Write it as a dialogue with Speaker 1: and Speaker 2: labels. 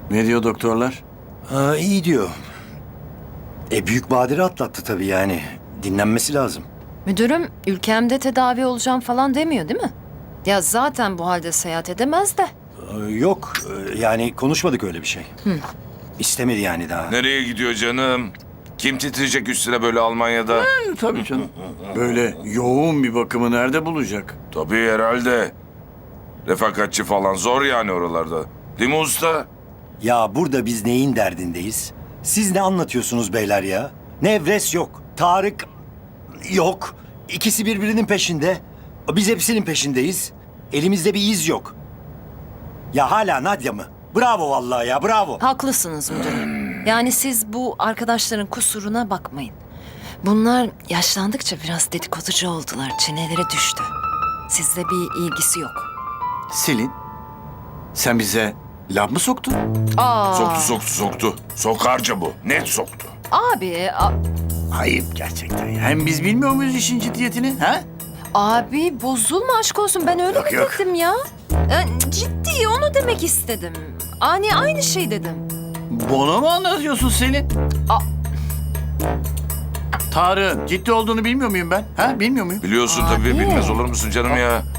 Speaker 1: Ne diyor doktorlar?
Speaker 2: İyi diyor. Büyük badire atlattı tabii yani. Dinlenmesi lazım.
Speaker 3: Müdürüm ülkemde tedavi olacağım falan demiyor değil mi? Ya zaten bu halde seyahat edemez de.
Speaker 2: Yok yani konuşmadık öyle bir şey. İstemedi yani daha.
Speaker 4: Nereye gidiyor canım? Kim titreyecek üstüne böyle Almanya'da?
Speaker 1: Tabii canım. Böyle yoğun bir bakımı nerede bulacak?
Speaker 4: Tabii herhalde. Refakatçi falan zor yani oralarda. Değil mi usta?
Speaker 2: Ya burada biz neyin derdindeyiz? Siz ne anlatıyorsunuz beyler ya? Nevres yok. Tarık yok. İkisi birbirinin peşinde. Biz hepsinin peşindeyiz. Elimizde bir iz yok. Ya hala Nadia mı? Bravo vallahi ya bravo.
Speaker 3: Haklısınız müdürüm. Yani siz bu arkadaşların kusuruna bakmayın. Bunlar yaşlandıkça biraz dedikoducu oldular. Çeneleri düştü. Sizle bir ilgisi yok.
Speaker 1: Selin, sen bize laf mı soktun?
Speaker 3: Aa,
Speaker 4: Soktu. Sokarca bu. Net soktu.
Speaker 3: abi,
Speaker 1: Ayıp gerçekten ya. Hem biz bilmiyor muyuz işin ciddiyetini? Ha?
Speaker 3: abi bozulma aşk olsun. Ben öyle
Speaker 1: Yok,
Speaker 3: mi
Speaker 1: yok.
Speaker 3: dedim ya? Ciddi onu demek istedim. Aynı şey dedim.
Speaker 1: Bana mı anlatıyorsun Selin?
Speaker 3: Aa.
Speaker 1: Tarık'ın ciddi olduğunu bilmiyor muyum ben? Ha? Bilmiyor muyum?
Speaker 4: Biliyorsun
Speaker 3: Abi.
Speaker 4: tabii, bilmez olur musun canım ya?